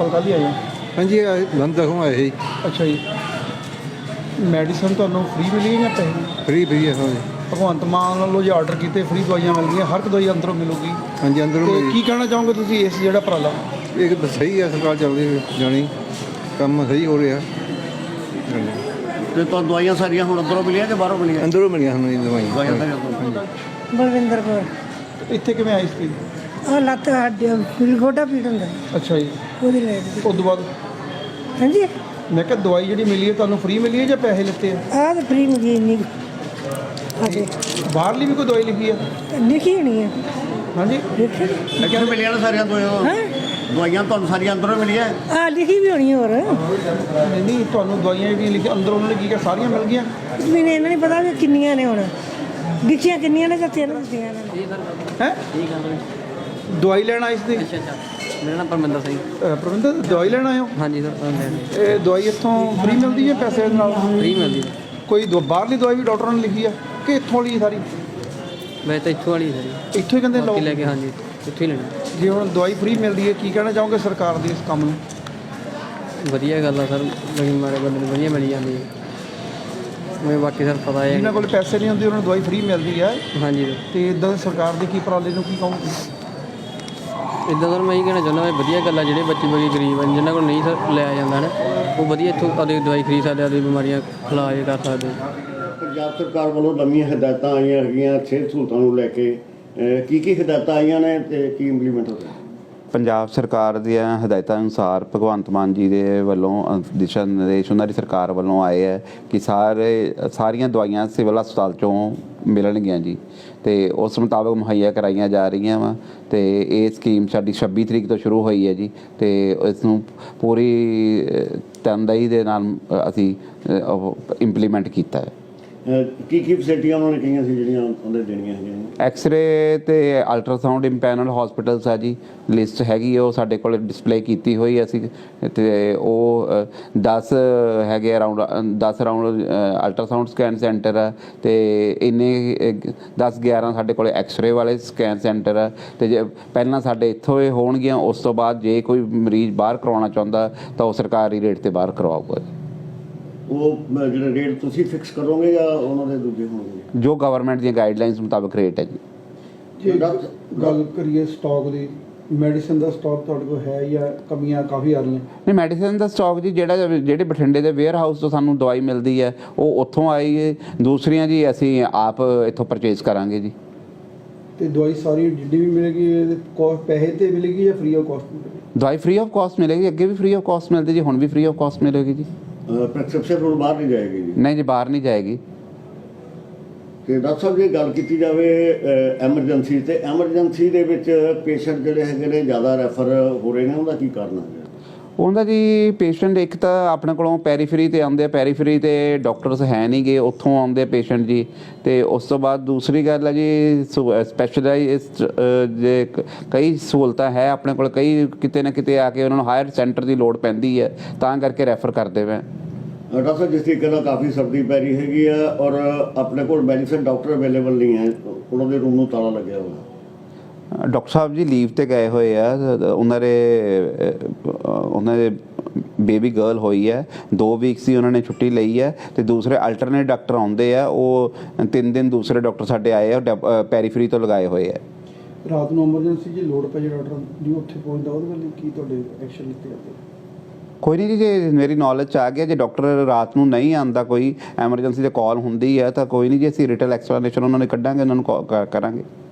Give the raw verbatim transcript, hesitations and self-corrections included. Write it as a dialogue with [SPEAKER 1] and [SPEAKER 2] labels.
[SPEAKER 1] ਹਸਪਤਾਲ ਕੱਲ੍ਹ ਹੀ ਆਏ ਹੋ?
[SPEAKER 2] हाँ जी लंदन तक आए ही
[SPEAKER 1] ਅੱਛਾ ਜੀ, ਮੈਡੀਸਨ ਤੁਹਾਨੂੰ ਫ੍ਰੀ ਮਿਲੀ ਜਾਂ ਪੈਸੇ?
[SPEAKER 2] फ्री फ्री है हाँ जी
[SPEAKER 1] ਭਗਵੰਤ ਮਾਨ ਵੱਲੋਂ ਜੇ ਆਰਡਰ ਕੀਤੇ ਫ੍ਰੀ ਦਵਾਈਆਂ ਮਿਲ ਗਈਆਂ, ਹਰ ਇੱਕ ਦਵਾਈ ਅੰਦਰੋਂ ਮਿਲੂਗੀ।
[SPEAKER 2] हाँ जी अंदरों
[SPEAKER 1] ਤੇ
[SPEAKER 2] मिली।
[SPEAKER 1] ਕੀ ਕਹਿਣਾ ਚਾਹੋਗੇ ਤੁਸੀਂ ਇਸ ਜਿਹੜਾ ਉਪਰਾਲਾ?
[SPEAKER 2] एक तो सही है सरकार चल रही जानी काम सही हो रहा हाँ जी।
[SPEAKER 3] ਤੇ ਤੁਹਾਨੂੰ ਦਵਾਈਆਂ ਸਾਰੀਆਂ ਹੁਣ ਅੰਦਰੋਂ ਮਿਲੀਆਂ ਕਿ ਬਾਹਰੋਂ ਮਿਲੀਆਂ?
[SPEAKER 2] अंदरों मिली हमें दवाई
[SPEAKER 3] ਦਵਾਈਆਂ ਸਾਰੀਆਂ ਅੰਦਰੋਂ।
[SPEAKER 4] ਬਲਵਿੰਦਰ ਕੌਰ।
[SPEAKER 1] ਇੱਥੇ ਕਿਵੇਂ ਆਈ ਸੀ?
[SPEAKER 4] ਉਹ ਲੱਤ ਹੱਡੀ ਪੀੜ ਗੋਡਾ ਪੀੜ ਹੁੰਦਾ
[SPEAKER 1] ਅੱਛਾ ਜੀ,
[SPEAKER 4] ਉਹਦੀ ਲੈ
[SPEAKER 1] ਉਸ ਤੋਂ ਬਾਅਦ
[SPEAKER 4] ਹਾਂਜੀ
[SPEAKER 1] ਮੈਂ ਕਿਹਾ ਦਵਾਈ ਜਿਹੜੀ ਮਿਲੀ ਹੈ ਤੁਹਾਨੂੰ ਫ੍ਰੀ ਮਿਲੀ ਹੈ ਜਾਂ ਪੈਸੇ ਲਿੱਤੇ ਆ?
[SPEAKER 4] ਆਹ ਤਾਂ ਫ੍ਰੀ ਮਿਲੀ ਇੰਨੀ ਹਾਂਜੀ
[SPEAKER 1] ਬਾਹਰਲੀ ਵੀ ਕੋਈ ਦਵਾਈ ਲਿਖੀ ਆ?
[SPEAKER 4] ਲਿਖੀ ਹੋਣੀ ਹੈ
[SPEAKER 1] ਹਾਂਜੀ,
[SPEAKER 4] ਲਿਖੀ
[SPEAKER 3] ਲੇਕਿਨ ਮਿਲੀਆਂ ਨਾ ਸਾਰੀਆਂ ਦਵਾਈਆਂ?
[SPEAKER 4] ਹਾਂ
[SPEAKER 3] ਦਵਾਈਆਂ ਤੁਹਾਨੂੰ ਸਾਰੀਆਂ ਅੰਦਰੋਂ ਮਿਲੀਆਂ?
[SPEAKER 4] ਆਹ ਲਿਖੀ ਵੀ ਹੋਣੀ ਹੋਰ
[SPEAKER 1] ਨਹੀਂ ਨਹੀਂ, ਤੁਹਾਨੂੰ ਦਵਾਈਆਂ ਜਿਹੜੀਆਂ ਲਿਖੀਆਂ ਅੰਦਰ ਉਹਨਾਂ ਨੇ ਕੀ ਕਿਹਾ ਸਾਰੀਆਂ ਮਿਲ ਗਈਆਂ?
[SPEAKER 4] ਮੈਨੂੰ ਇਹਨਾਂ ਨਹੀਂ ਪਤਾ ਵੀ ਕਿੰਨੀਆਂ ਨੇ ਹੁਣ ਲਿਖੀਆਂ ਕਿੰਨੀਆਂ ਨੇ ਜਾਂ ਤਿੰਨ ਦਿੱਤੀਆਂ ਇਹਨਾਂ ਨੇ।
[SPEAKER 1] ਹੈ ਦਵਾਈ ਲੈਣ ਆਏ ਸੀ?
[SPEAKER 5] ਮੇਰਾ ਨਾਮ ਪਰਮਿੰਦਰ ਸਿੰਘ।
[SPEAKER 1] ਅਹ ਪ੍ਰਵਿੰਦਰ, ਦਵਾਈ ਲੈਣ ਆਏ ਹੋ?
[SPEAKER 5] ਹਾਂਜੀ ਸਰ,
[SPEAKER 1] ਇਹ ਦਵਾਈ ਇੱਥੋਂ ਫ੍ਰੀ ਮਿਲਦੀ ਹੈ ਪੈਸੇ ਦੇ ਨਾਲ?
[SPEAKER 5] ਫ੍ਰੀ ਮਿਲਦੀ
[SPEAKER 1] ਕੋਈ ਦਵਾ- ਬਾਹਰਲੀ ਦਵਾਈ ਵੀ ਡਾਕਟਰਾਂ ਨੇ ਲਿਖੀ ਆ ਕਿ ਇੱਥੋਂ ਲਈ ਸਾਰੀ?
[SPEAKER 5] ਵੈਸੇ ਤਾਂ ਇੱਥੋਂ ਵਾਲੀ ਸਰ,
[SPEAKER 1] ਇੱਥੋਂ ਹੀ ਕਹਿੰਦੇ ਲਓ।
[SPEAKER 5] ਬਾਕੀ ਲੈ ਕੇ ਹਾਂਜੀ ਇੱਥੋਂ ਹੀ ਲੈਣੀ।
[SPEAKER 1] ਜੇ ਹੁਣ ਦਵਾਈ ਫ੍ਰੀ ਮਿਲਦੀ ਹੈ, ਕੀ ਕਹਿਣਾ ਚਾਹੋਗੇ ਸਰਕਾਰ ਦੇ ਇਸ ਕੰਮ ਨੂੰ?
[SPEAKER 5] ਵਧੀਆ ਗੱਲ ਆ ਸਰ, ਲੇਕਿਨ ਮਾਰੇ ਬੰਦੇ ਨੂੰ ਵਧੀਆ ਮਿਲ ਜਾਂਦੀ ਹੈ। ਮੈਂ ਬਾਕੀ ਸਰ ਪਤਾ ਹੈ
[SPEAKER 1] ਜਿਨ੍ਹਾਂ ਕੋਲ ਪੈਸੇ ਨਹੀਂ ਹੁੰਦੇ ਉਹਨਾਂ ਨੂੰ ਦਵਾਈ ਫ੍ਰੀ ਮਿਲਦੀ ਹੈ,
[SPEAKER 5] ਹਾਂਜੀ।
[SPEAKER 1] ਤੇ ਇਦਾਂ ਸਰਕਾਰ ਦੇ ਕੀ ਉਪਰਾਲੇ ਨੂੰ ਕੀ ਕਹੋਗੇ?
[SPEAKER 5] ਇੱਦਾਂ ਸਰ ਮੈਂ ਇਹ ਕਹਿਣਾ ਚਾਹੁੰਦਾ ਵੀ ਵਧੀਆ ਗੱਲ ਆ, ਜਿਹੜੇ ਬੱਚੇ ਬੜੀ ਗਰੀਬ ਹਨ ਜਿਨ੍ਹਾਂ ਕੋਲ ਨਹੀਂ ਸਰ ਲਿਆ ਜਾਂਦਾ ਨਾ, ਉਹ ਵਧੀਆ ਇੱਥੋਂ ਆਪਣੀ ਦਵਾਈ ਖਰੀਦ ਸਕਦੇ, ਆਪਣੀ ਬਿਮਾਰੀਆਂ ਇਲਾਜ ਕਰ ਸਕਦੇ।
[SPEAKER 3] ਪੰਜਾਬ ਸਰਕਾਰ ਵੱਲੋਂ ਨਵੀਆਂ ਹਦਾਇਤਾਂ ਆਈਆਂ ਹੈਗੀਆਂ ਸਿਹਤ ਸਹੂਲਤਾਂ ਨੂੰ ਲੈ ਕੇ, ਅਹ ਕੀ ਕੀ ਹਦਾਇਤਾਂ ਆਈਆਂ ਨੇ ਤੇ ਕੀ ਇੰਪਲੀਮੈਂਟ ਹੋ ਰਿਹਾ?
[SPEAKER 6] ਪੰਜਾਬ ਸਰਕਾਰ ਦੀਆਂ ਹਦਾਇਤਾਂ ਅਨੁਸਾਰ ਭਗਵੰਤ ਮਾਨ ਜੀ ਦੇ ਵੱਲੋਂ ਅ, ਦਿਸ਼ਾ ਨਿਰਦੇਸ਼ ਉਹਨਾਂ ਦੀ ਸਰਕਾਰ ਵੱਲੋਂ ਆਏ ਹੈ ਕਿ ਸਾਰੇ ਸਾਰੀਆਂ ਦਵਾਈਆਂ ਸਿਵਲ ਹਸਪਤਾਲ 'ਚੋਂ ਮਿਲਣਗੀਆਂ ਜੀ, ਤੇ ਉਸ ਮੁਤਾਬਕ ਮੁਹੱਈਆ ਕਰਾਈਆਂ ਜਾ ਰਹੀਆਂ ਵਾ। ਤੇ ਇਹ ਸਕੀਮ ਸਾਡੀ ਛੱਬੀ ਤਰੀਕ ਤੋਂ ਸ਼ੁਰੂ ਹੋਈ ਹੈ ਜੀ, ਤੇ ਇਸ ਨੂੰ ਪੂਰੀ ਅ, ਤਨਦੇਹੀ ਦੇ ਨਾਲ ਅਸੀਂ ਇੰਪਲੀਮੈਂਟ ਕੀਤਾ ਹੈ।
[SPEAKER 3] ਅਹ ਕੀ ਕੀ ਫੈਸਿਲਿਟੀਆਂ ਉਹਨਾਂ ਨੇ ਕਹੀਆਂ ਸੀ ਜਿਹੜੀਆਂ ਉਹਦੇ ਦੇਣੀਆਂ ਹੈਗੀਆਂ?
[SPEAKER 6] ਐਕਸ-ਰੇ ਤੇ ਅਲਟਰਾਸਾਊਂਡ ਇੰਪੈਨਲ ਹਸਪੀਟਲਸ ਆ ਜੀ, ਲਿਸਟ ਹੈਗੀ ਉਹ ਸਾਡੇ ਕੋਲ ਡਿਸਪਲੇ ਕੀਤੀ ਹੋਈ ਅਸੀਂ, ਤੇ ਉਹ ਦਸ ਹੈਗੇ ਅਰਾਊਂਡ ਦਸ ਅਰਾਊਂਡ ਅਲਟਰਾਸਾਊਂਡ ਸਕੈਨ ਸੈਂਟਰ ਆ, ਤੇ ਇੰਨੇ ਦਸ ਗਿਆਰਾਂ ਸਾਡੇ ਕੋਲ ਐਕਸ-ਰੇ ਵਾਲੇ ਸਕੈਨ ਸੈਂਟਰ ਆ। ਤੇ ਜੇ ਪਹਿਲਾਂ ਸਾਡੇ ਇੱਥੋਂ ਇਹ ਹੋਣਗੀਆਂ, ਉਸ ਤੋਂ ਬਾਅਦ ਜੇ ਕੋਈ ਮਰੀਜ਼ ਬਾਹਰ ਕਰਵਾਉਣਾ ਚਾਹੁੰਦਾ ਤਾਂ ਉਹ ਸਰਕਾਰੀ ਰੇਟ ਤੇ ਬਾਹਰ ਕਰਵਾਊਗਾ।
[SPEAKER 3] ਉਹ ਜਿਹੜੇ ਰੇਟ ਤੁਸੀਂ ਫਿਕਸ ਕਰੋਗੇ ਜਾਂ ਉਹਨਾਂ ਦੇ ਦੂਜੇ ਹੋਣਗੇ?
[SPEAKER 6] ਜੋ ਗਵਰਨਮੈਂਟ ਦੀਆਂ ਗਾਈਡਲਾਈਨਸ ਮੁਤਾਬਕ ਰੇਟ ਹੈ ਜੀ।
[SPEAKER 1] ਜੇ ਗੱਲ ਕਰੀਏ ਸਟਾਕ ਦੀ, ਮੈਡੀਸਨ ਦਾ ਸਟਾਕ ਤੁਹਾਡੇ ਕੋਲ ਹੈ ਜਾਂ ਕਮੀਆਂ ਕਾਫੀ ਆ ਰਹੀਆਂ?
[SPEAKER 6] ਨਹੀਂ, ਮੈਡੀਸਨ ਦਾ ਸਟਾਕ ਜੀ ਜਿਹੜਾ ਜਿਹੜੇ ਬਠਿੰਡੇ ਦੇ ਵੇਅਰ ਹਾਊਸ ਤੋਂ ਸਾਨੂੰ ਦਵਾਈ ਮਿਲਦੀ ਹੈ ਉਹ ਉੱਥੋਂ ਆਈ ਹੈ, ਦੂਸਰੀਆਂ ਜੀ ਅਸੀਂ ਆਪ ਇੱਥੋਂ ਪਰਚੇਜ਼ ਕਰਾਂਗੇ ਜੀ।
[SPEAKER 1] ਤੇ ਦਵਾਈ ਸਾਰੀ ਜਿੱਡੀ ਵੀ ਮਿਲੇਗੀ ਇਹਦੇ ਕੋਸਟ ਪੈਸੇ ਤੇ ਮਿਲੇਗੀ ਜਾਂ ਫ੍ਰੀ ਆਫ ਕਾਸਟ ਮਿਲੇਗੀ?
[SPEAKER 6] ਦਵਾਈ ਫ੍ਰੀ ਆਫ ਕਾਸਟ ਮਿਲੇਗੀ, ਅੱਗੇ ਵੀ ਫ੍ਰੀ ਆਫ ਕਾਸਟ ਮਿਲਦੀ ਜੀ, ਹੁਣ ਵੀ ਫ੍ਰੀ ਆਫ ਕਾਸਟ ਮਿਲੇਗੀ ਜੀ।
[SPEAKER 3] ਪ੍ਰੈਸਕ੍ਰਿਪਸ਼ਨ ਹੁਣ ਬਾਹਰ ਨਹੀਂ ਜਾਏਗੀ ਜੀ?
[SPEAKER 6] ਨਹੀਂ ਜੀ, ਬਾਹਰ ਨਹੀਂ ਜਾਏਗੀ।
[SPEAKER 3] ਤੇ ਡਾਕਟਰ ਸਾਹਿਬ ਜੇ ਗੱਲ ਕੀਤੀ ਜਾਵੇ ਐਮਰਜੈਂਸੀ, ਤੇ ਐਮਰਜੈਂਸੀ ਦੇ ਵਿੱਚ ਪੇਸ਼ੈਂਟ ਜਿਹੜੇ ਹੈਗੇ ਨੇ ਜ਼ਿਆਦਾ ਰੈਫਰ ਹੋ ਰਹੇ ਨੇ, ਉਹਦਾ ਕੀ ਕਾਰਨ ਹੈ?
[SPEAKER 6] ਉਹਦਾ ਜੀ ਪੇਸ਼ੈਂਟ ਇੱਕ ਤਾਂ ਆਪਣੇ ਕੋਲੋਂ ਪੈਰੀਫਰੀ 'ਤੇ ਆਉਂਦੇ ਆ, ਪੈਰੀਫਰੀ 'ਤੇ ਡਾਕਟਰਸ ਹੈ ਨਹੀਂ ਗੇ, ਉੱਥੋਂ ਆਉਂਦੇ ਪੇਸ਼ੈਂਟ ਜੀ। ਤੇ ਉਸ ਤੋਂ ਬਾਅਦ ਦੂਸਰੀ ਗੱਲ ਹੈ ਜੀ ਸਪੈਸ਼ਲਾਈਜ਼ਡ ਜੇ ਕਈ ਸਹੂਲਤਾਂ ਹੈ ਆਪਣੇ ਕੋਲ, ਕਈ ਕਿਤੇ ਨਾ ਕਿਤੇ ਆ ਕੇ ਉਹਨਾਂ ਨੂੰ ਹਾਇਰ ਸੈਂਟਰ ਦੀ ਲੋੜ ਪੈਂਦੀ ਹੈ, ਤਾਂ ਕਰਕੇ ਰੈਫਰ ਕਰਦੇ ਪਏ।
[SPEAKER 3] ਡਾਕਟਰ ਸਾਹਿਬ ਜਿਸ ਤਰੀਕੇ ਨਾਲ ਕਾਫੀ ਸਰਦੀ ਪੈ ਰਹੀ ਹੈਗੀ ਆ ਔਰ ਆਪਣੇ ਕੋਲ ਮੈਡੀਸਨ ਡਾਕਟਰ ਅਵੇਲੇਬਲ ਨਹੀਂ ਹੈ, ਉਹਨਾਂ ਦੇ ਰੂਮ ਨੂੰ ਤਾਲਾ ਲੱਗਿਆ ਹੋਇਆ।
[SPEAKER 6] ਡਾਕਟਰ ਸਾਹਿਬ ਜੀ ਲੀਵ ਤੇ ਗਏ ਹੋਏ ਆ, ਉਹਨਾਂ ਦੇ ਉਹਨਾਂ ਦੇ ਬੇਬੀ ਗਰਲ ਹੋਈ ਹੈ, ਦੋ ਵੀਕਸ ਦੀ ਉਹਨਾਂ ਨੇ ਛੁੱਟੀ ਲਈ ਹੈ, ਤੇ ਦੂਸਰੇ ਅਲਟਰਨੇਟ ਡਾਕਟਰ ਆਉਂਦੇ ਆ, ਉਹ ਤਿੰਨ ਦਿਨ ਦੂਸਰੇ ਡਾਕਟਰ ਸਾਡੇ ਆਏ ਆ ਪੈਰੀਫਰੀ ਤੋਂ ਲਗਾਏ ਹੋਏ ਆ।
[SPEAKER 1] ਰਾਤ ਨੂੰ ਐਮਰਜੈਂਸੀ ਜੇ ਲੋੜ ਪੈ ਜੇ ਡਾਕਟਰ ਜੀ ਉੱਥੇ ਪਹੁੰਚਦਾ, ਉਹਦੇ ਵੱਲ ਕੀ ਤੁਹਾਡੇ ਐਕਸ਼ਨ ਲਿੱਤੇ ਜਾਂਦੇ?
[SPEAKER 6] ਕੋਈ ਨਹੀਂ ਜੀ, ਜੇ ਮੇਰੀ ਨੌਲੇਜ 'ਚ ਆ ਗਿਆ ਜੇ ਡਾਕਟਰ ਰਾਤ ਨੂੰ ਨਹੀਂ ਆਉਂਦਾ, ਕੋਈ ਐਮਰਜੈਂਸੀ 'ਤੇ ਕਾਲ ਹੁੰਦੀ ਹੈ ਤਾਂ ਕੋਈ ਨਹੀਂ ਜੀ, ਅਸੀਂ ਰਿਟਨ ਐਕਸਪਲੇਨੇਸ਼ਨ ਉਹਨਾਂ ਨੂੰ ਕੱਢਾਂਗੇ, ਉਹਨਾਂ ਨੂੰ ਕਰਾਂਗੇ।